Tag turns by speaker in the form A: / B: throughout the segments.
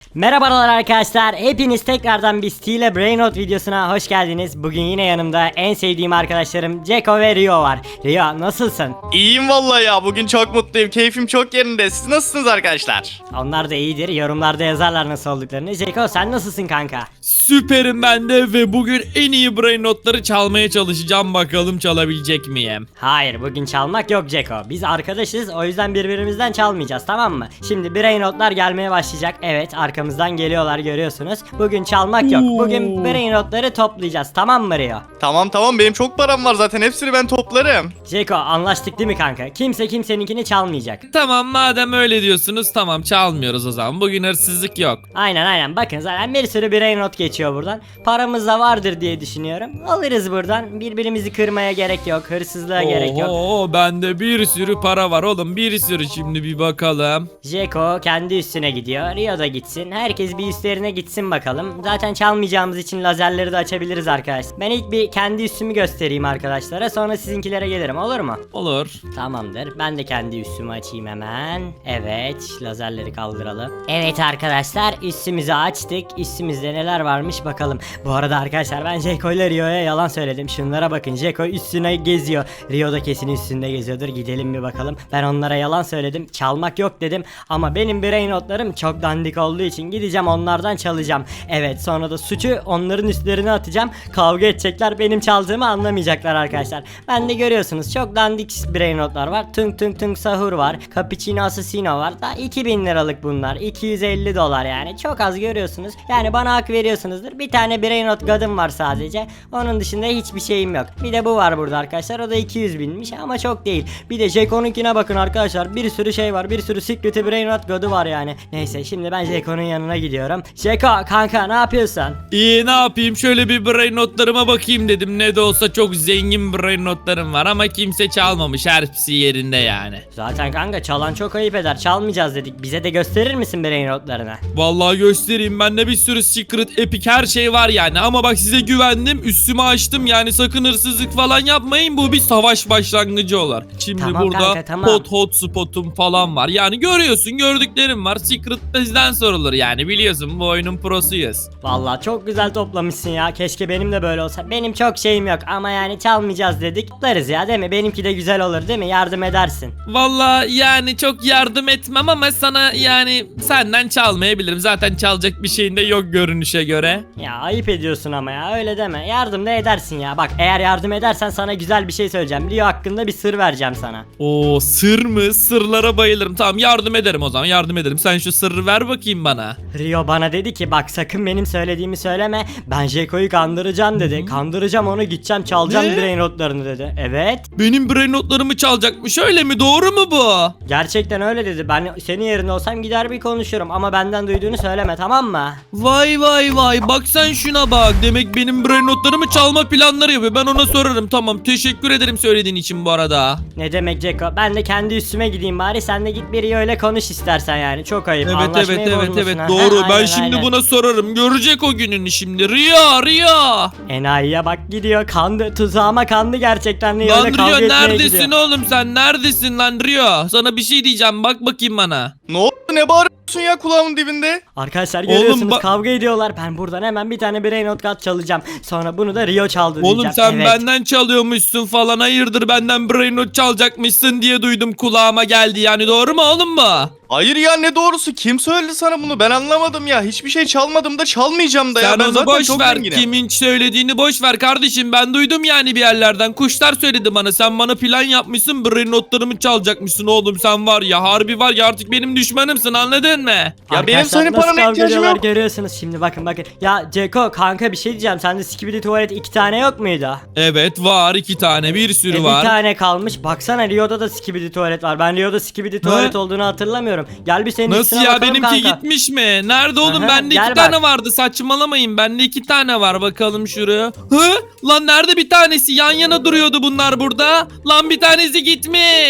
A: Merhabalar arkadaşlar. Hepiniz tekrardan bir Stile Brainrot videosuna hoş geldiniz. Bugün yine yanımda en sevdiğim arkadaşlarım Ceko ve Rio var. Rio nasılsın?
B: İyiyim vallahi ya. Bugün çok mutluyum. Keyfim çok yerinde. Siz nasılsınız arkadaşlar?
A: Onlar da iyidir. Yorumlarda yazarlar nasıl olduklarını. Ceko sen nasılsın kanka?
C: Süperim ben de ve bugün en iyi brain notları çalmaya çalışacağım, bakalım çalabilecek miyim?
A: Hayır, bugün çalmak yok Ceko. Biz arkadaşız, o yüzden birbirimizden çalmayacağız, tamam mı? Şimdi Brainrotlar gelmeye başlayacak. Evet, arkamızdan geliyorlar, görüyorsunuz. Bugün çalmak yok. Bugün Brainrotları toplayacağız, tamam mı Rio?
B: Tamam benim çok param var zaten. Hepsini ben toplarım.
A: Ceko anlaştık değil mi kanka? Kimse kimseninkini çalmayacak.
C: Tamam, madem öyle diyorsunuz, tamam çalmıyoruz o zaman. Bugün hırsızlık yok.
A: Aynen bakın zaten bir sürü Brainrot geçiyor buradan. Paramız da vardır diye düşünüyorum. Alırız buradan. Birbirimizi kırmaya gerek yok. Hırsızlığa gerek yok.
C: Oo, bende bir sürü para var oğlum, bir sürü. Şimdi bir bakalım.
A: Jeko kendi üstüne gidiyor. Rio da gitsin. Herkes bir üstlerine gitsin bakalım. Zaten çalmayacağımız için lazerleri de açabiliriz arkadaşlar. Ben ilk bir kendi üstümü göstereyim arkadaşlara. Sonra sizinkilere gelirim, olur mu?
C: Olur.
A: Tamamdır. Ben de kendi üstümü açayım hemen. Evet. Lazerleri kaldıralım. Evet arkadaşlar. Üstümüzü açtık. Üstümüzde neler varmış bakalım. Bu arada arkadaşlar ben Jeko ile Rio'ya yalan söyledim. Şunlara bakın. Jeko üstüne geziyor. Rio da kesin üstünde geziyordur. Gidelim bir bakalım. Ben onlara yalan söyledim. Çalmak yok dedim. Ama benim brain notlarım çok dandik olduğu için gideceğim onlardan çalacağım. Evet, sonra da suçu onların üstlerine atacağım. Kavga edecekler. Benim çaldığımı anlamayacaklar arkadaşlar. Ben de görüyorsunuz çok dandik brain notlar var. Tung sahur var. Cappuccino assassino var. Da 2000 liralık bunlar. 250 dolar yani. Çok az görüyorsunuz. Yani bana hak veriyorsunuzdur. Bir tane brain not god'um var sadece. Onun dışında hiçbir şeyim yok. Bir de bu var burada arkadaşlar. O da 200 binmiş ama çok değil. Bir de Jeko'nunkine bakın arkadaşlar. Bir sürü şey var. Bir sürü secret brain not god'u var yani. Neyse şimdi ben Jeko'nun yanına gidiyorum. Jeko kanka ne yapıyorsun?
C: İyi, ne yapayım, şöyle bir brain notlarıma bakayım dedim. Ne de olsa çok zengin brain notlarım var ama kimse çalmamış, hepsi yerinde yani.
A: Zaten kanka çalan çok ayıp eder. Çalmayacağız dedik. Bize de gösterir misin brain notlarını?
C: Vallahi göstereyim, bende bir sürü secret, epic her şey var yani. Ama bak, size güvendim, üstümü açtım yani. Sakın hırsızlık falan yapmayın, bu bir savaş başlangıcı olur. Şimdi
A: Tamam
C: burada
A: kanka, tamam.
C: hotspotum falan var yani. Görüyorsun, gördüklerim var. Secret bizden sorulur yani, biliyorsun bu oyunun prosuyuz.
A: Vallahi çok güzel toplamışsın ya. Keşke benim de böyle olsa. Benim çok şeyim yok ama yani çalmayacağız dedik. Toplarız ya, değil mi? Benimki de güzel olur değil mi? Yardım edersin.
C: Vallahi yani çok yardım etmem ama sana yani senden çalmayabilirim. Zaten çalacak bir şeyin de yok görünüşe göre.
A: Ya ayıp ediyorsun ama ya, öyle deme. Yardım da edersin ya. Bak eğer yardım edersen sana güzel bir şey söyleyeceğim. Rio hakkında bir sır vereceğim sana.
C: Oo, sır mı? Sırlara bayılırım. Tamam, yardım ederim o zaman, yardım ederim. Sen şu sırrı ver bakayım bana.
A: Rio bana dedi ki bak sakın benim söylediğimi söyleme. Ben Jeko'yu kandıracağım dedi. Kandıracağım onu, gideceğim çalacağım
C: Ne?
A: brain notlarını dedi. Evet.
C: Benim brain notlarımı çalacakmış, öyle mi? Doğru mu bu?
A: Gerçekten öyle dedi. Ben senin yerinde olsam gider bir konuşurum ama benden duyduğunu söyleme, tamam mı?
C: Vay bak sen şuna bak. Demek benim brain notlarımı çalma planları yapıyor. Ben ona sorarım. Tamam, teşekkür ederim söylediğin için bu arada.
A: Ne demek Ceko? Ben de kendi üstüme gideyim bari. Sen de git biri öyle konuş istersen yani. Çok ayıp.
C: Evet
A: Anlaşmayı bozmasın ha.
C: doğru.
A: Ha,
C: Ben
A: aynen,
C: şimdi
A: aynen.
C: buna sorarım. Görecek o gününü şimdi. Rio.
A: Enayiye bak gidiyor. Kandı. Tuzağıma kandı gerçekten. Rio'yla
C: Lan
A: kavga
C: Rio,
A: etmeye
C: neredesin
A: gidiyor.
C: oğlum sen? Neredesin lan Rio? Sana bir şey diyeceğim. Bak bakayım bana.
B: Ne oldu? Ne bağırıyorsun ya kulağımın dibinde?
A: Arkadaşlar
C: Oğlum
A: görüyorsunuz
C: bak-
A: kavga ediyorlar. Ben buradan hemen bir tane brain not card çalacağım. Sonra bunu da Rio çaldı
C: Oğlum
A: diyeceğim.
C: sen
A: Evet.
C: benden çalıyormuşsun falan. Hayırdır, benden brain not çalacakmışsın diye duydum, kulağıma geldi yani. Doğru mu oğlum bu?
B: Hayır ya, ne doğrusu? Kim söyledi sana bunu? Ben anlamadım ya. Hiçbir şey çalmadım da çalmayacağım da ya.
C: Sen
B: Ben
C: onu
B: zaten
C: boş
B: çok
C: ver.
B: zenginim.
C: Kimin söylediğini boş ver kardeşim. Ben duydum yani bir yerlerden. Kuşlar söyledi bana. Sen bana plan yapmışsın. Brain notlarımı çalacakmışsın oğlum. Sen var ya, harbi var ya, artık benim düşmanımsın, anladın mı?
B: Ya benim
A: Arkadaşlar
B: senin
A: nasıl
B: parana
A: kavga
B: ihtiyacım
A: ediyorlar
B: yok.
A: görüyorsunuz şimdi, bakın. Ya Ceko kanka bir şey diyeceğim. Sende skibidi tuvalet 2 tane yok muydu?
C: Evet var, 2 tane, bir sürü
A: Bir
C: var.
A: tane kalmış. Baksana Rio'da da skibidi tuvalet var. Ben Rio'da skibidi tuvalet olduğunu hatırlamıyorum. Gel bir senin
C: Nasıl
A: üstüne
C: ya,
A: bakalım
C: benimki
A: kanka.
C: gitmiş mi? Nerede oğlum?
A: Aha,
C: Bende
A: gel
C: 2
A: bak.
C: tane vardı, saçmalamayın. Bende 2 tane var, bakalım şuraya. Lan nerede bir tanesi? Yan yana duruyordu bunlar burada. Lan bir tanesi gitmiş.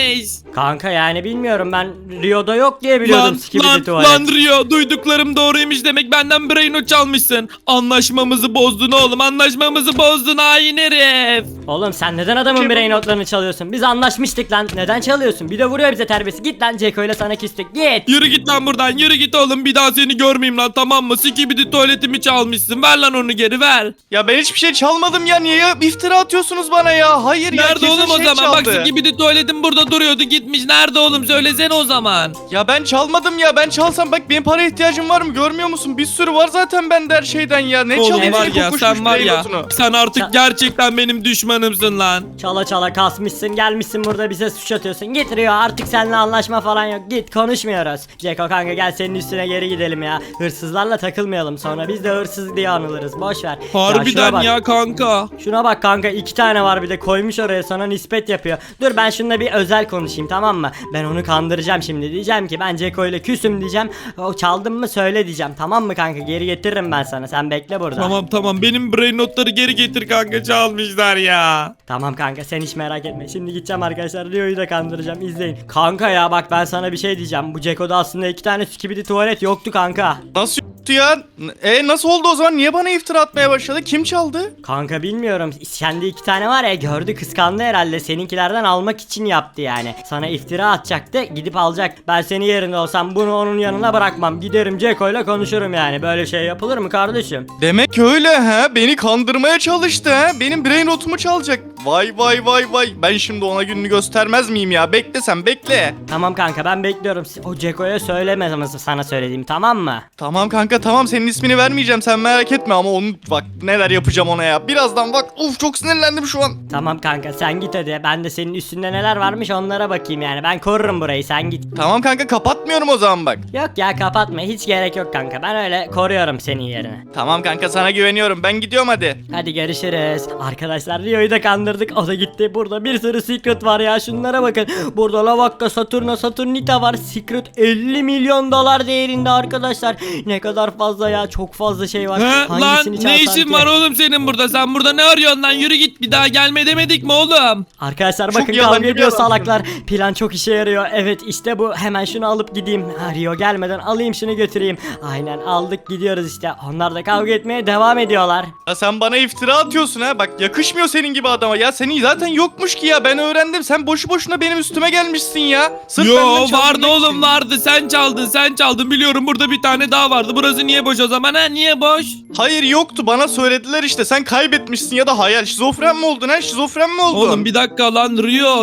A: Kanka yani bilmiyorum, ben Rio'da yok diye biliyordum skibidi tuvalet.
C: Lan Rio, duyduklarım doğruymuş demek, benden Brainot çalmışsın. Anlaşmamızı bozdun oğlum, anlaşmamızı bozdun hain herif.
A: Oğlum sen neden adamın birey notlarını çalıyorsun? Biz anlaşmıştık lan. Neden çalıyorsun? Bir de vuruyor bize terbiyesi. Git lan, Ceko ile sana küstük. Git.
C: Yürü git lan buradan, yürü git oğlum, bir daha seni görmeyeyim lan, tamam mı? Skibidi tuvaletimi çalmışsın, ver lan onu geri ver.
B: Ya ben hiçbir şey çalmadım ya. Niye iftira atıyorsunuz bana ya? Hayır ya.
C: Nerede
B: kesin
C: oğlum o
B: şey
C: zaman? Bak
B: çaldı.
C: Skibidi tuvaletim burada duruyordu, gitmiş. Nerede oğlum, söylesene o zaman.
B: Ya ben çalmadım ya. Ben çalsam bak, benim para ihtiyacım var mı? Görmüyor musun? Bir sürü var zaten bende her şeyden ya. Ne
C: Oğlum
B: çalayım?
C: var
B: Seni
C: ya,
B: kokuşmuş
C: sen var ya,
B: Brainot'unu.
C: sen artık gerçekten benim düşmanımsın lan.
A: Çala çala kasmışsın, gelmişsin burada bize suç atıyorsun. Git Rio, artık seninle anlaşma falan yok. Git, konuşmuyoruz. Ceko kanka gel, senin üstüne geri gidelim ya. Hırsızlarla takılmayalım, sonra biz de hırsız diye anılırız. Boş ver. şuna
C: Harbiden
A: bak.
C: ya kanka.
A: Şuna bak kanka, 2 tane var bir de, koymuş oraya, sana nispet yapıyor. Dur ben şununla bir özel konuşayım, tamam mı? Ben onu kandıracağım şimdi, diyeceğim ki ben Ceko ile küsüm diyeceğim. O çaldın mı söyle diyeceğim, tamam mı kanka? Geri getiririm ben sana, sen bekle burada.
C: Tamam, benim brain notları geri getir kanka, çalmışlar ya.
A: Tamam kanka, sen hiç merak etme. Şimdi gideceğim arkadaşlar, Rio'yu da kandıracağım, izleyin. Kanka ya bak, ben sana bir şey diyeceğim. Bu Ceko'da aslında 2 tane skibidi tuvalet yoktu kanka.
B: Nasıl yoktu ya? Nasıl oldu o zaman? Niye bana iftira atmaya başladı? Kim çaldı?
A: Kanka bilmiyorum, kendi 2 tane var ya, gördü kıskandı herhalde, seninkilerden almak için yaptı yani. Sana iftira atacaktı, gidip alacak. Ben senin yerinde olsam bunu onun yanına bırakmam, giderim Ceko'yla konuşurum yani. Böyle şey yapılır mı kardeşim?
B: Demek öyle ha? Beni kandırmaya çalıştı ha? Benim brain notumu çalacak. Vay vay vay vay. Ben şimdi ona gününü göstermez miyim ya? Bekle sen, bekle.
A: Tamam kanka, ben bekliyorum. O Ceko'ya söyleme sana söylediğim, tamam mı?
B: Tamam kanka, tamam, senin ismini vermeyeceğim, sen merak etme, ama onu bak neler yapacağım ona ya. Birazdan bak, çok sinirlendim şu an.
A: Tamam kanka, sen git hadi. Ben de senin üstünde neler varmış onlara bakayım yani. Ben korurum burayı, sen git.
B: Tamam kanka, kapatmıyorum o zaman bak.
A: Yok ya, kapatma, hiç gerek yok kanka. Ben öyle koruyorum senin yerine.
B: Tamam kanka, sana güveniyorum, ben gidiyorum hadi.
A: Hadi görüşürüz. Arkadaşlar Rio'yu da kandırdık, o da gitti. Burada bir sürü secret var ya, şunlara bakın. Burada Lavakka, Saturnita var. Secret 50 milyon dolar değerinde arkadaşlar. Ne kadar fazla ya, çok fazla şey var.
C: He, lan
A: Hangisini
C: ne
A: çalsam
C: işin
A: ki?
C: var oğlum senin burada? Sen burada ne arıyorsun lan? Yürü git, bir daha gelme demedik mi oğlum?
A: Arkadaşlar
B: Çok
A: bakın,
B: yalan
A: kavga ediyor
B: biliyorum.
A: salaklar. Plan çok işe yarıyor. Evet işte bu. Hemen şunu alıp gideyim. Ha, Rio gelmeden alayım şunu, götüreyim. Aynen, aldık, gidiyoruz işte. Onlar da kavga etmeye devam ediyorlar.
B: Ya sen bana iftira atıyorsun ha, bak yakışmıyor senin gibi adama ya. Senin zaten yokmuş ki ya, ben öğrendim. Sen boşu boşuna benim üstüme gelmişsin ya. Sırf
C: Yo,
B: benden çaldırmak
C: vardı oğlum,
B: için.
C: vardı, sen çaldın biliyorum, burada bir tane daha vardı. Burası niye boş o zaman, ha? Niye boş?
B: Hayır, yoktu, bana söylediler işte. Sen kaybetmişsin ya da hayal. Şizofren mi oldun ha? Şizofren mi oldun?
C: Oğlum bir dakika lan Rio,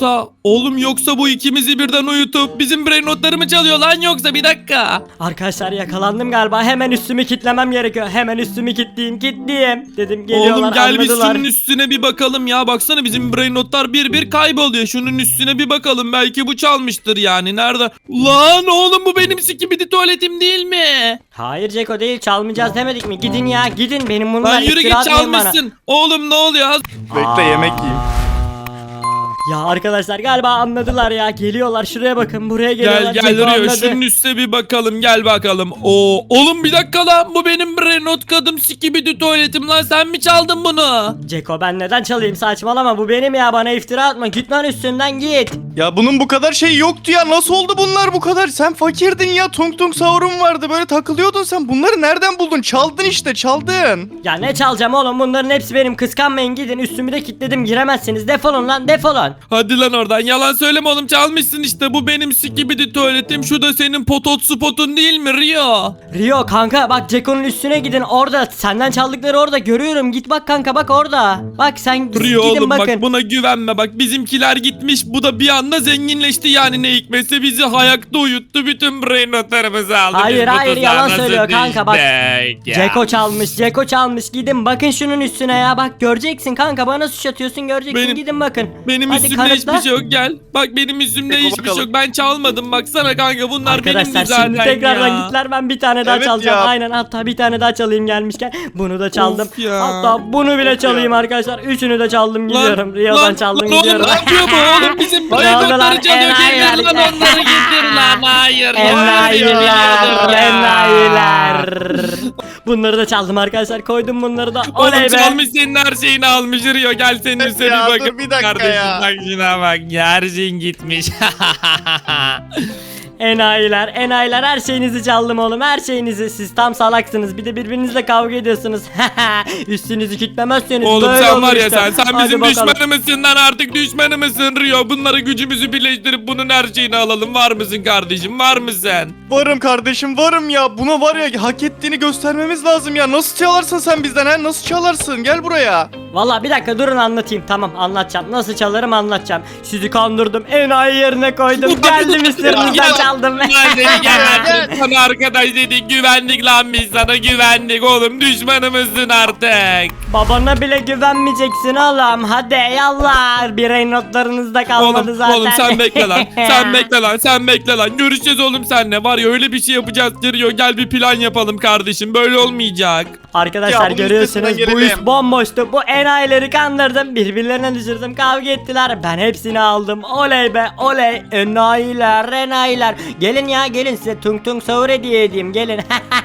C: yoksa bu ikimizi birden uyutup bizim brain notları mı çalıyor lan, yoksa bir dakika.
A: Arkadaşlar yakalandım galiba. Hemen üstümü kitlemem gerekiyor. Hemen üstümü kilitleyeyim. Dedim geliyorlar,
C: Oğlum gel biz
A: anladılar.
C: şunun üstüne bir bakalım ya, baksana bizim brain notlar bir kayboluyor. Şunun üstüne bir bakalım, belki bu çalmıştır yani. Nerede? Lan oğlum, bu benim skibidi tuvaletim değil mi?
A: Hayır Ceko değil, çalmayacağız demedik mi? Gidin ya, gidin, benim bunlar
C: Lan yürü
A: iftira
C: git,
A: atmayın bana.
C: çalmışsın. Oğlum ne oluyor?
B: Bekle, yemek yiyeyim.
A: Ya arkadaşlar galiba anladılar ya. Geliyorlar, şuraya bakın, buraya geliyorlar.
C: Gel
A: Ceko
C: Rio,
A: anladı.
C: şunun üstüne bir bakalım, gel bakalım. Oğlum bir dakika lan, bu benim brain not kadım skibidi tuvaletim lan, sen mi çaldın bunu?
A: Ceko ben neden çalayım, saçmalama, bu benim ya, bana iftira atma, git lan üstünden git.
B: Ya bunun bu kadar şey yoktu ya. Nasıl oldu bunlar bu kadar? Sen fakirdin ya. Tung tung sahurun vardı. Böyle takılıyordun sen. Bunları nereden buldun? Çaldın işte, çaldın.
A: Ya ne çalacağım oğlum, bunların hepsi benim, kıskanmayın, gidin, üstümü de kilitledim, giremezsiniz, defolun lan, defolun.
C: Hadi lan oradan, yalan söyleme oğlum, çalmışsın işte, bu benim skibidi tuvaletim, şu da senin potot spotun değil mi Rio?
A: Rio kanka bak, Ceko'nun üstüne gidin, orada senden çaldıkları orada görüyorum, git bak kanka, bak orada. Bak sen
C: Rio
A: gidin
C: oğlum,
A: bakın.
C: bak buna güvenme, bak bizimkiler gitmiş, bu da bir anda zenginleşti yani, ne hikmetse bizi hayakta uyuttu, bütün brain notlarımızı aldı.
A: Hayır,
C: Biz bu
A: hayır,
C: tuzağa
A: yalan
C: nasıl
A: söylüyor kanka, bak.
C: düştük ya?
A: Ceko çalmış, gidin bakın şunun üstüne ya, bak göreceksin kanka, bana suç atıyorsun, göreceksin, gidin bakın.
C: Benim
A: Hadi
C: üstümde
A: kanıtla.
C: hiçbir şey yok, gel. Bak benim üstümde
B: Peki,
C: hiçbir şey
B: bakalım.
C: yok, ben çalmadım, baksana kanka, bunlar benimdi
A: Arkadaşlar
C: zaten
A: şimdi tekrardan
C: ya.
A: gittiler, ben bir tane daha
B: Evet
A: çalacağım.
B: ya.
A: Aynen, hatta bir tane daha çalayım gelmişken. Bunu da çaldım.
C: Of ya.
A: Hatta bunu bile çalayım arkadaşlar. Üçünü de çaldım, gidiyorum. Rio'dan çaldım,
C: lan
A: gidiyorum.
C: oğlum, ne yapıyor bu oğlum, bizim
A: Ne
C: brain
A: oldu lan?
C: notları çalıyor,
A: Enayiler.
C: getir lan onları, getir lan, hayır.
A: Enayiler,
C: hayır, ya.
A: enayiler. Bunları da çaldım arkadaşlar. Koydum bunları da.
C: Oğlum
A: Oley be.
C: çalmış senin her şeyini almış Rio. Gel senin
B: Evet
C: üstüne
B: ya,
C: bir
B: dur
C: bakın.
B: bir dakika
C: Kardeşim
B: ya.
C: bak şuna bak. Ya, her şeyin gitmiş.
A: Enayiler her şeyinizi çaldım oğlum, her şeyinizi. Siz tam salaksınız, bir de birbirinizle kavga ediyorsunuz. Üstünüzü kütlemezseniz
C: Oğlum
A: böyle
C: sen
A: olur
C: var ya
A: işte.
C: sen
A: Hadi
C: bizim
A: bakalım.
C: düşmanımızsın lan, artık düşmanımızsın Rio. Bunları gücümüzü birleştirip bunun her şeyini alalım. Var mısın kardeşim, var mısın?
B: Varım kardeşim, varım ya. Buna var ya, hak ettiğini göstermemiz lazım ya. Nasıl çalarsın sen bizden ha? Nasıl çalarsın? Gel buraya.
A: Valla bir dakika durun, anlatayım. Tamam, anlatacağım. Nasıl çalarım anlatacağım. Sizi kandırdım, enayi yerine koydum. Geldim üstünüzden çaldım.
C: Gel. Sana arkadaş dedik, güvendik lan, biz sana güvendik oğlum, düşmanımızsın artık.
A: Babana bile güvenmeyeceksin oğlum. Hadi yallah. Birey notlarınızda kalmadı
C: Oğlum,
A: zaten.
C: oğlum sen bekle lan. Sen bekle lan. Görüşeceğiz oğlum seninle. Var ya, öyle bir şey yapacağız Rio. Gel bir plan yapalım kardeşim. Böyle olmayacak.
A: Arkadaşlar
B: Ya bunun
A: görüyorsunuz,
B: üstesinden
A: bu iş
B: gelelim.
A: bomboştu. Bu enayileri kandırdım, birbirlerine düşürdüm, kavga ettiler. Ben hepsini aldım. Oley be oley. Enayiler. Gelin ya, gelin size tung tung sahur hediye edeyim, gelin.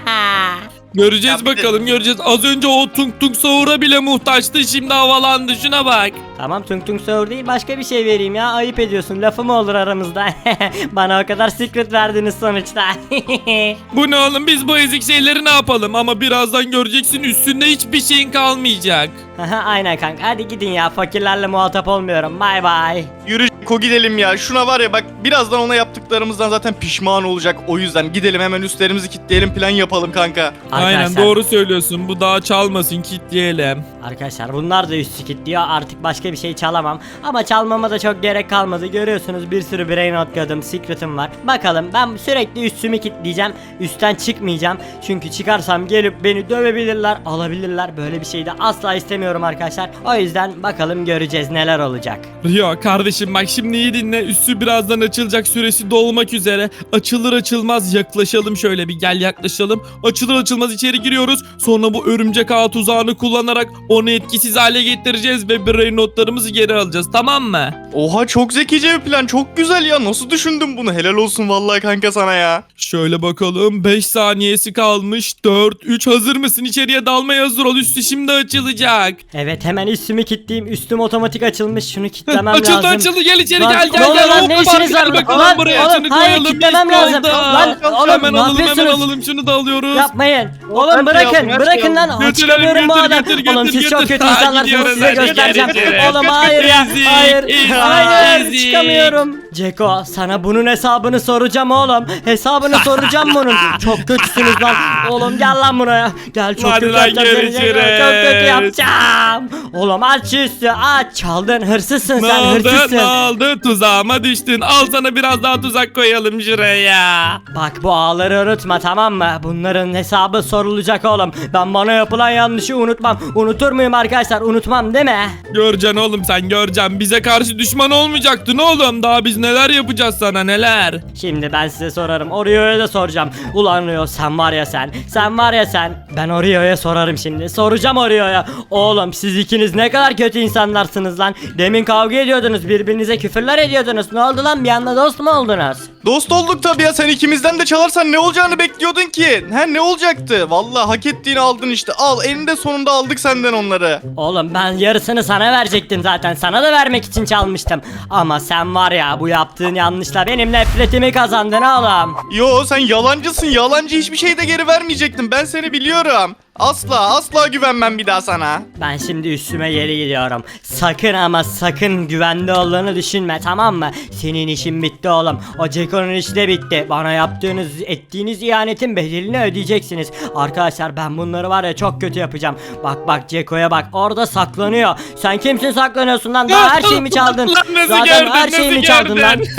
C: Göreceğiz
B: Ya bir de-
C: bakalım, göreceğiz. Az önce o tung tung sahura bile muhtaçtı. Şimdi havalandı, şuna bak.
A: Tamam, tung tung sahur değil, başka bir şey vereyim ya, ayıp ediyorsun, lafı mı olur aramızda. Bana o kadar secret verdiniz sonuçta.
C: Bu ne oğlum, biz bu ezik şeyleri ne yapalım? Ama birazdan göreceksin, üstünde hiçbir şeyin kalmayacak.
A: Aynen kanka, hadi gidin ya, fakirlerle muhatap olmuyorum, bay bay.
B: Yürü Ko, gidelim ya. Şuna var ya bak, birazdan ona yaptıklarımızdan zaten pişman olacak. O yüzden gidelim hemen, üstlerimizi kilitleyelim, plan yapalım kanka.
C: Aynen,
A: Arkadaşlar-
C: doğru söylüyorsun. Bu daha çalmasın, kilitleyelim.
A: Arkadaşlar bunlar da üstü kilitliyor, artık başka bir şey çalamam. Ama çalmama da çok gerek kalmadı, görüyorsunuz bir sürü brain atladım, secret'ım var. Bakalım, ben sürekli üstümü kilitleyeceğim, üstten çıkmayacağım. Çünkü çıkarsam gelip beni dövebilirler, alabilirler, böyle bir şey de asla istemiyorum arkadaşlar. O yüzden bakalım, göreceğiz neler olacak.
C: Rio kardeşim bak, şimdi iyi dinle. Üstü birazdan açılacak, süresi dolmak üzere. Açılır açılmaz yaklaşalım, şöyle bir gel yaklaşalım. Açılır açılmaz içeri giriyoruz. Sonra bu örümcek ağ tuzağını kullanarak onu etkisiz hale getireceğiz ve brain notlarımızı geri alacağız, tamam mı?
B: Oha, çok zekice bir plan, çok güzel ya. Nasıl düşündün bunu? Helal olsun vallahi kanka sana ya.
C: Şöyle bakalım, 5 saniyesi kalmış. 4, 3, hazır mısın? İçeriye dalmaya hazır ol, üstü şimdi açılacak.
A: Evet, hemen üstümü kilitleyeyim, üstüm otomatik açılmış, şunu kilitlemem
C: Açıldı
A: lazım.
C: gel içeri,
A: Lan,
C: gel
A: ne oluyor lan? Ne
C: Hop,
A: işiniz var
C: gel
A: burada?
C: bakalım
A: Lan,
C: buraya,
A: oğlum,
C: şunu
A: hayır,
C: koyalım,
A: kilitlemem
C: işte
A: lazım.
C: oldu.
A: Lan, oğlum,
C: hemen
A: ne
C: alalım, hemen
A: yapıyorsunuz?
C: alalım, şunu da alıyoruz.
A: Yapmayın.
B: Ben
A: Oğlum
B: şey
A: bırakın,
B: aldım, her
A: bırakın
B: şeyi
A: lan.
C: aldım.
A: Çıkamıyorum bu
C: Götür,
A: adam.
C: götür,
A: Oğlum
C: götür,
A: siz çok
C: götür.
A: kötü
C: Hadi
A: insanlarsınız,
C: gidiyoruz,
A: size
C: hadi
A: göstereceğim.
C: gidiyoruz.
A: Oğlum
C: Kaç,
A: hayır ya.
C: ezik,
A: Hayır.
C: ezik,
A: Hayır.
C: ezik.
A: Çıkamıyorum. Ceko, sana bunun hesabını soracağım oğlum. Hesabını soracağım bunun. Çok kötüsünüz lan. Oğlum gel lan buraya. Gel, çok
C: Hadi
A: kötü
C: lan,
A: yapacağım seni. Ceko.
C: görüşürüz.
A: Çok kötü yapacağım. Oğlum aç şu üstü, aç. Çaldın, hırsızsın
C: Ne
A: sen,
C: oldu,
A: hırsızsın.
C: ne oldu? Tuzağıma düştün. Al sana biraz daha tuzak koyalım şuraya.
A: Bak, bu ağları unutma, tamam mı? Bunların hesabı sorulacak oğlum. Ben bana yapılan yanlışı unutmam. Unutur muyum arkadaşlar? Unutmam değil mi?
C: Göreceksin oğlum, sen göreceksin. Bize karşı düşman olmayacaktın oğlum. Daha biz neler yapacağız sana, neler.
A: Şimdi ben size sorarım. Oreo'ya da soracağım. Ulan Oreo, sen var ya sen. Sen var ya sen. Ben Oreo'ya sorarım şimdi. Soracağım Oreo'ya. Oğlum siz ikiniz ne kadar kötü insanlarsınız lan. Demin kavga ediyordunuz. Birbirinize küfürler ediyordunuz. Ne oldu lan? Bir anda dost mu oldunuz?
B: Dost olduk tabii ya, sen ikimizden de çalarsan ne olacağını bekliyordun ki? He, ne olacaktı? Vallahi hak ettiğini aldın işte. Al, eninde sonunda aldık senden onları.
A: Oğlum ben yarısını sana verecektim zaten. Sana da vermek için çalmıştım. Ama sen var ya, bu yaptığın yanlışla benim nefretimi kazandın oğlum.
B: Yo, sen yalancısın. Yalancı, hiçbir şey de geri vermeyecektim. Ben seni biliyorum. Asla güvenmem bir daha sana.
A: Ben şimdi üstüme geri gidiyorum. Sakın ama sakın güvende olduğunu düşünme, tamam mı? Senin işin bitti oğlum. O Ceko'nun işi de bitti. Bana ettiğiniz ihanetin bedelini ödeyeceksiniz. Arkadaşlar ben bunları var ya çok kötü yapacağım. Bak Ceko'ya bak, orada saklanıyor. Sen kimsin saklanıyorsun lan? Daha her şeyimi çaldın.
C: Lan nasıl
A: Zaten
C: gördün,
A: her
C: nasıl
A: şeyimi çaldın lan.
C: gördün?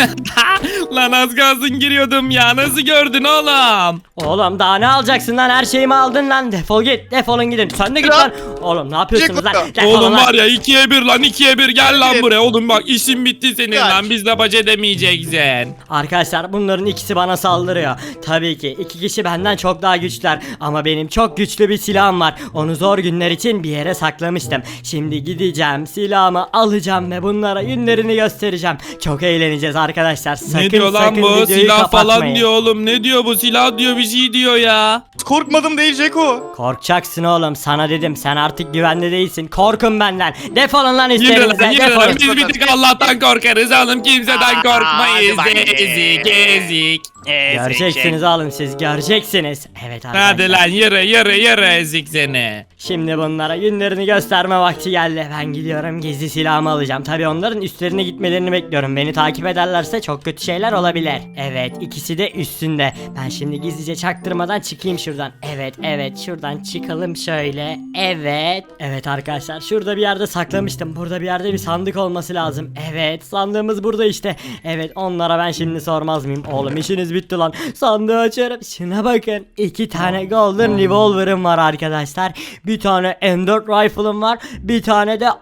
C: Lan az kalsın giriyordum ya, nasıl gördün oğlum?
A: Oğlum daha ne alacaksın lan? Her şeyimi aldın lan. Defol git git. Defolun gidin. Sen de git lan. Oğlum ne yapıyorsunuz lan? Defolun
C: Oğlum
A: lan.
C: var ya 2'ye 1 lan 2'ye 1 gel lan
B: Evet.
C: buraya. Oğlum bak işin bitti senin
B: Kaç.
C: lan. Bizle baş edemeyeceksin.
A: Arkadaşlar bunların ikisi bana saldırıyor. Tabii ki iki kişi benden çok daha güçler. Ama benim çok güçlü bir silahım var. Onu zor günler için bir yere saklamıştım. Şimdi gideceğim, silahımı alacağım ve bunlara günlerini göstereceğim. Çok eğleneceğiz arkadaşlar. Sakın
C: Ne diyor lan
A: sakın
C: bu?
A: videoyu
C: Silah falan
A: kapatmayın.
C: diyor oğlum. Ne diyor bu? Silah diyor, bir şey diyor ya.
B: Korkmadım değil Ceko.
A: Korkacaksın oğlum, sana dedim, sen artık güvende değilsin. Korkun benden. Defolun lan
C: Yürü
A: üstlerinize,
C: lan, yürü lan.
A: defolun.
C: Biz bir tek Allah'tan korkarız oğlum. Kimseden
B: Aa,
C: korkmayız.
B: hadi bakayım.
C: Ezik ezik.
A: Göreceksiniz oğlum, siz göreceksiniz. Evet arkadaşlar.
C: Hadi lan yürü ezik seni.
A: Şimdi bunlara günlerini gösterme vakti geldi. Ben gidiyorum, gizli silahımı alacağım. Tabii onların üstlerine gitmelerini bekliyorum. Beni takip ederlerse çok kötü şeyler olabilir. Evet, ikisi de üstünde. Ben şimdi gizlice çaktırmadan çıkayım şuradan. Evet şuradan çıkalım şöyle. Evet arkadaşlar, şurada bir yerde saklamıştım. Burada bir yerde bir sandık olması lazım. Evet, sandığımız burada işte. Evet, onlara ben şimdi sormaz mıyım? Oğlum işiniz bitti lan. Sandığı açarım. Şuna bakın. 2 tane golden revolver'ım var arkadaşlar. Bir tane M4 rifle'ım var. Bir tane de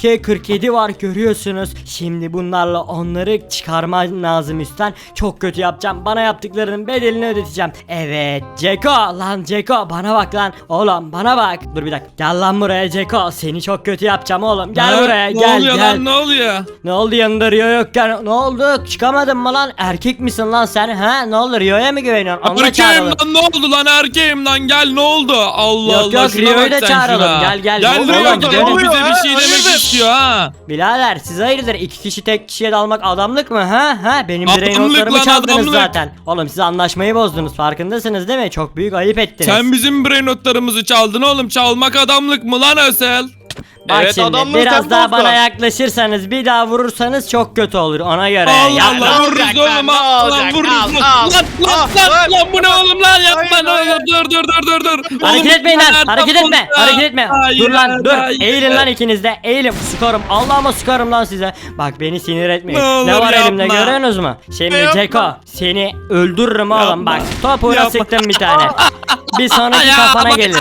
A: AK-47 var, görüyorsunuz. Şimdi bunlarla onları çıkarmam lazım üstten. Çok kötü yapacağım. Bana yaptıklarının bedelini ödeteceğim. Evet Ceko, lan Ceko bana bak lan. Oğlum bana bak. Dur bir dakika. Gel lan buraya Ceko. Seni çok kötü yapacağım oğlum. Gel
C: Ha?
A: buraya,
C: Ne
A: gel
C: oluyor
A: gel.
C: lan, ne oluyor?
A: Ne oldu, yanında Rio yokken? Ne oldu? Çıkamadın mı lan? Erkek misin lan sen? Ha? Ne oldu, Rio'ya mı güveniyorsun? Onu da
C: Erkeğim
A: çağıralım.
C: lan, ne oldu lan, erkeğim lan, gel ne oldu? Allah
A: Yok,
C: Allah,
A: yok,
C: şuna
A: Rio'yu
C: bak
A: da
C: sen
A: çağıralım.
C: şuna.
A: Gel, gel,
C: Gel
A: oğlum,
C: Rio,
A: oğlum,
C: Rio
A: gidelim.
C: bize bir şey demek
B: Hayırdır?
C: istiyor ha.
A: Birader siz hayırdır, 2 kişi tek kişiye dalmak adamlık mı ha? Ha, benim
C: Adamlık
A: brain notlarımı
C: lan,
A: çaldınız
C: adamlık.
A: zaten. Oğlum siz anlaşmayı bozdunuz, farkındasınız değil mi? Çok büyük ayıp ettiniz.
C: Sen bizim brain notlarımızı çaldın oğlum. Çalmak adamlık mı lan Ösel?
A: Bak
B: Evet,
A: şimdi
B: adamlığı
A: biraz
B: sen
A: daha
B: bozdun.
A: bana yaklaşırsanız, bir daha vurursanız çok kötü olur, ona göre.
C: Allah
A: Ya-
C: Allah,
B: ne
C: vururuz
B: olacak
C: oğlum
B: lan,
C: ha.
B: ne
C: Lan
B: olacak?
C: vururuz.
B: Al,
C: Lan
B: al.
C: lan bu ne oğlum lan, yapma
B: Hayır,
C: ne olur.
B: hayır.
C: Dur.
A: Hareket
C: Oğlum,
A: etmeyin lan,
C: nereden
A: hareket etme,
C: buldun ya?
A: hareket etme.
C: Hayır,
A: Dur lan, dur.
C: hayır.
A: Eğilin lan ikiniz de, eğilin. Sıkarım, Allah'ıma sıkarım lan size. Bak beni sinir etmeyin.
C: Ne olur
A: Ne var elimde,
C: yapma.
A: görüyorsunuz mu? Şimdi
B: Yapma.
A: Ceko, seni öldürürüm oğlum.
C: Yapma.
A: Bak topuğuna
C: Yapma.
A: sıktım bir tane. Bir sonraki kafana gelir.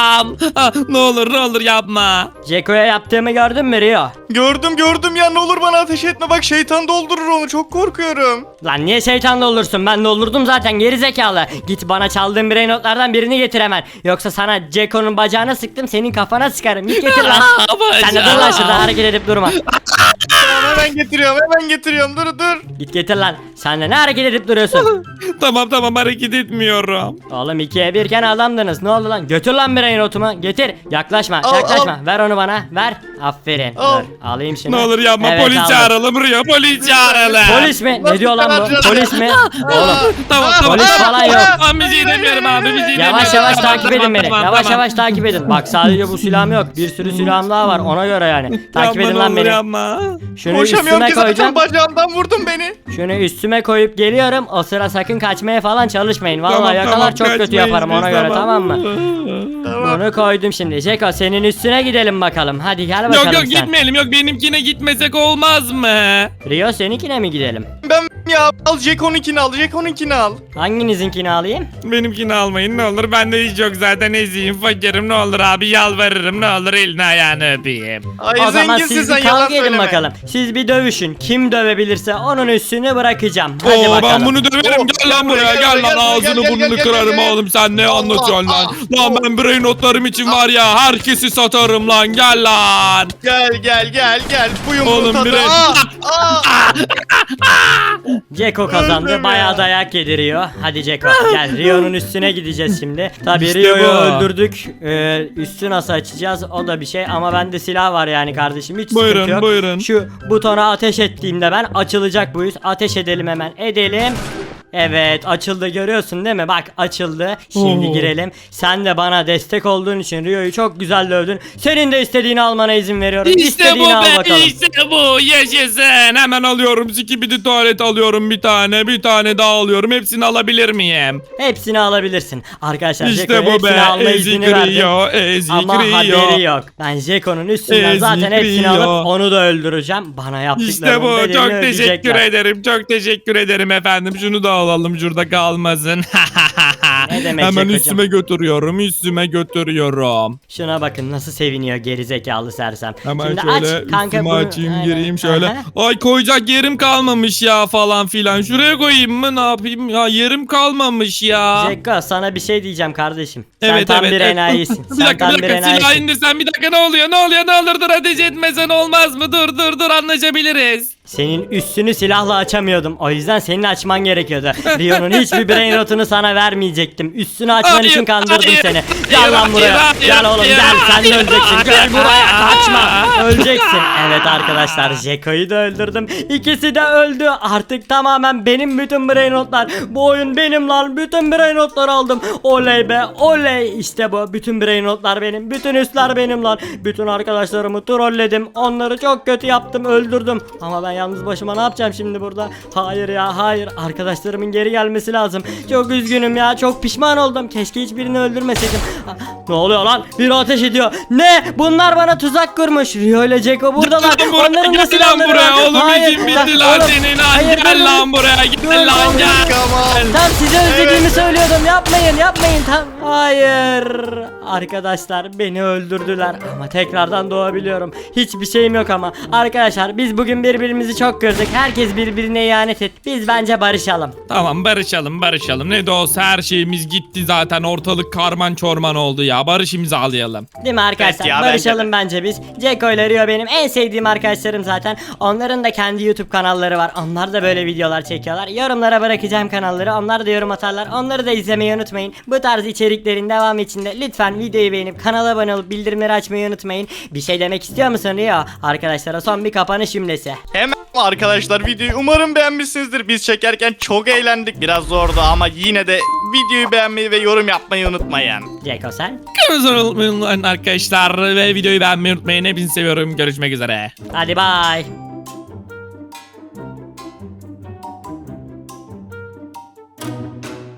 C: Ne olur yapma.
A: Ceko'ya yaptığımı gördün mü Rio?
B: Gördüm ya, ne olur bana ateş etme, bak şeytan doldurur onu, çok korkuyorum.
A: Lan niye şeytanla olursun? Ben doldurdum zaten, geri zekalı. Git bana çaldığın brain notlardan birini getir hemen. Yoksa sana Ceko'nun bacağına sıktım, senin kafana sıkarım. Git getir lan. Sen de dur lan şurada, hareket edip durma.
B: Tamam, hemen getiriyorum, dur.
A: Git getir lan. Sen de ne hareket edip duruyorsun?
C: Tamam hareket etmiyorum.
A: Oğlum 2'ye 1 iken adamdınız. Ne oldu lan? Götür lan brain notumu. Getir. Yaklaşma.
B: Al,
A: Yaklaşma. Ver onu bana. Ver. Aferin.
B: Al.
A: Dur. Alayım şimdi.
C: Ne olur yapma,
A: Evet,
C: polis
A: aldım.
C: çağıralım Rio, polis çağıralım.
A: Polis mi? Ne diyor lan bu? Polis mi? Oğlum.
C: Tamam.
A: Polis falan yok.
C: Ben bir şey demiyorum abi, bir şey demiyorum.
A: Yavaş yavaş
C: Tamam,
A: takip edin beni.
C: tamam,
A: Yavaş
C: tamam.
A: yavaş takip edin. Bak sadece bu silahım yok. Bir sürü silahım daha var. Ona göre yani. Takip
C: Yapma,
A: edin
C: ne
A: lan
C: olur
A: beni.
C: yapma.
B: Koşamıyorum
A: Şunu üstüme
B: ki, zaten
A: koyacağım.
B: bacağımdan vurdun beni.
A: Şunu üstüme koyup geliyorum. O sıra sakın kaçmaya falan çalışmayın. Vallahi
C: Tamam,
A: yakalar
C: tamam,
A: çok kötü
C: kaçmayız
A: yaparım,
C: biz,
A: ona göre, tamam mı?
B: Tamam.
A: Bunu koydum şimdi. Ceko senin üstüne gidelim bakalım. Hadi gel bakalım
C: Yok
A: sen.
C: gitmeyelim, yok benimkine gitmesek olmaz mı?
A: Rio seninkine mi gidelim?
B: Ben ya, al Jeko'nunkini al.
A: Hanginizinkini alayım?
C: Benimkini almayın ne olur, bende hiç yok zaten, eziyim fakirim, ne olur abi yalvarırım, ne olur elini ayağını öpeyim.
B: Ay
A: O zaman
B: zenginsin
A: siz
B: sen,
A: bir
B: yalan
A: kavga edin
B: söyleme.
A: bakalım. Siz bir dövüşün. Kim dövebilirse onun üstünü bırakacağım. Hadi
C: Oo,
A: bakalım.
C: ben bunu döverim,
B: Oo,
C: gel lan buraya, gel lan, ağzını burnunu kırarım oğlum, sen ne anlatıyorsun lan? Lan ben brain notlarım için var ya, herkesi satarım lan, gel lan.
B: Gel. Bu
C: Oğlum,
B: yumruğu tadı.
C: bre-
A: Ceko kazandı.
B: Öldüm
A: Bayağı
B: ya.
A: dayak yediriyor. Hadi Ceko gel. Rio'nun üstüne gideceğiz şimdi. Tabii
C: İşte
A: Rio'yu
C: bu.
A: öldürdük. Üstü nasıl açacağız? O da bir şey ama bende silah var yani kardeşim. Hiç sıkıntı
C: Buyurun,
A: yok.
C: buyurun.
A: Şu butona ateş ettiğimde ben açılacak bu yüz. Ateş edelim hemen. Edelim. Evet açıldı, görüyorsun değil mi? Bak açıldı. Şimdi
C: Oo.
A: girelim. Sen de bana destek olduğun için Rio'yu çok güzel dövdün. Senin de istediğini almana izin veriyorum.
C: İşte bu
A: İstediğini al
C: be,
A: bakalım.
C: işte bu, yaşasın. Hemen alıyorum, skibidi tuvalet alıyorum bir tane daha alıyorum, hepsini alabilir miyim?
A: Hepsini alabilirsin. Arkadaşlar
C: İşte
A: Jeko'ya
C: bu
A: hepsini
C: be,
A: alma
C: ezik
A: izni verdim.
C: Rio, ezik
A: Ama
C: Rio.
A: haberi yok. Ben Jeko'nun üstünden
C: Ezik
A: zaten hepsini
C: Rio.
A: alıp onu da öldüreceğim. Bana yaptıklarının
C: İşte bu,
A: bedelini
C: çok
A: ödeyecekler.
C: teşekkür ederim, çok teşekkür ederim efendim, şunu da alalım, şurada kalmasın.
A: Ne demek
C: Hemen
A: Ceko'cum?
C: üstüme götürüyorum.
A: Şuna bakın nasıl seviniyor gerizekalı sersem.
C: Hemen
A: Şimdi
C: şöyle
A: aç kanka
C: üstüme
A: bunu.
C: açayım,
A: Aynen.
C: gireyim şöyle.
A: Aha.
C: Ay koyacak yerim kalmamış ya falan filan. Şuraya koyayım mı, ne yapayım ya, yerim kalmamış ya.
A: Ceko sana bir şey diyeceğim kardeşim. Sen
C: Evet,
A: tam
C: evet,
A: bir
C: evet.
A: enayisin.
C: Bir
A: Sen
C: dakika
A: tam
C: bir
A: bir
C: dakika, silah
A: enayisin.
C: indirsen, bir dakika, ne oluyor ne olur dur, ateş etmesen olmaz mı, dur anlaşabiliriz.
A: Senin üstünü silahla açamıyordum. O yüzden senin açman gerekiyordu. Rio'nun hiçbir brain rotunu sana vermeyecektim. Üstünü açman
C: Hayır,
A: için kandırdım
C: hayır,
A: seni.
C: hayır,
A: Gel lan buraya.
C: hayır,
A: Gel oğlum
C: hayır,
A: gel. Sen de
C: hayır,
A: öleceksin. Gel
C: hayır,
A: buraya.
C: hayır.
A: Kaçma. Öleceksin. Evet arkadaşlar Jeko'yu da öldürdüm. İkisi de öldü. Artık tamamen benim bütün brain rotlar. Bu oyun benim lan. Bütün brain rotları aldım. Oley be oley. İşte bu. Bütün brain rotlar benim. Bütün üstler benim lan. Bütün arkadaşlarımı trolledim. Onları çok kötü yaptım. Öldürdüm. Ama ben yalnız başıma ne yapacağım şimdi burada? Hayır ya hayır. Arkadaşlarımın geri gelmesi lazım. Çok üzgünüm ya. Çok pişman oldum. Keşke hiçbirini öldürmeseydim. Ne oluyor lan? Biri ateş ediyor. Ne? Bunlar bana tuzak kurmuş. Rio ile Ceko buradalar.
C: Gel lan buraya,
A: Onların da
C: gel lan
A: silahları
C: buraya
A: var.
C: oğlum,
A: Hayır,
C: işin bitti lan
A: oğlum.
C: senin lan.
A: Hayır,
C: Gel
A: dur,
C: lan buraya,
A: dur,
C: gel lan
A: dur.
C: gel.
A: Tam size özlediğimi
B: Evet.
A: söylüyordum. Yapmayın. Hayır. Arkadaşlar beni öldürdüler ama tekrardan doğabiliyorum. Hiçbir şeyim yok ama. Arkadaşlar biz bugün birbirimizi çok kırdık. Herkes birbirine ihanet etti. Biz bence barışalım.
C: Tamam, barışalım. Ne de olsa her şeyimiz gitti zaten, ortalık karman çorman oldu ya. Barış imzalayalım.
A: Değil mi arkadaşlar?
B: Evet ya,
A: Barışalım bence biz. Ceko ile Rio benim en sevdiğim arkadaşlarım zaten. Onların da kendi YouTube kanalları var. Onlar da böyle videolar çekiyorlar. Yorumlara bırakacağım kanalları. Onlar da yorum atarlar. Onları da izlemeyi unutmayın. Bu tarz içeriklerin devamı için de lütfen videoyu beğenip kanala abone olup bildirimleri açmayı unutmayın. Bir şey demek istiyor musun Rio? Arkadaşlara son bir kapanış cümlesi.
B: Hemen arkadaşlar videoyu umarım beğenmişsinizdir. Biz çekerken çok eğlendik. Biraz zordu ama yine de videoyu beğenmeyi ve yorum yapmayı unutmayın.
A: Ceko sen?
C: Kanalımıza abone olun arkadaşlar ve videoyu beğenmeyi unutmayın. Hepinizi seviyorum. Görüşmek üzere.
A: Hadi bye.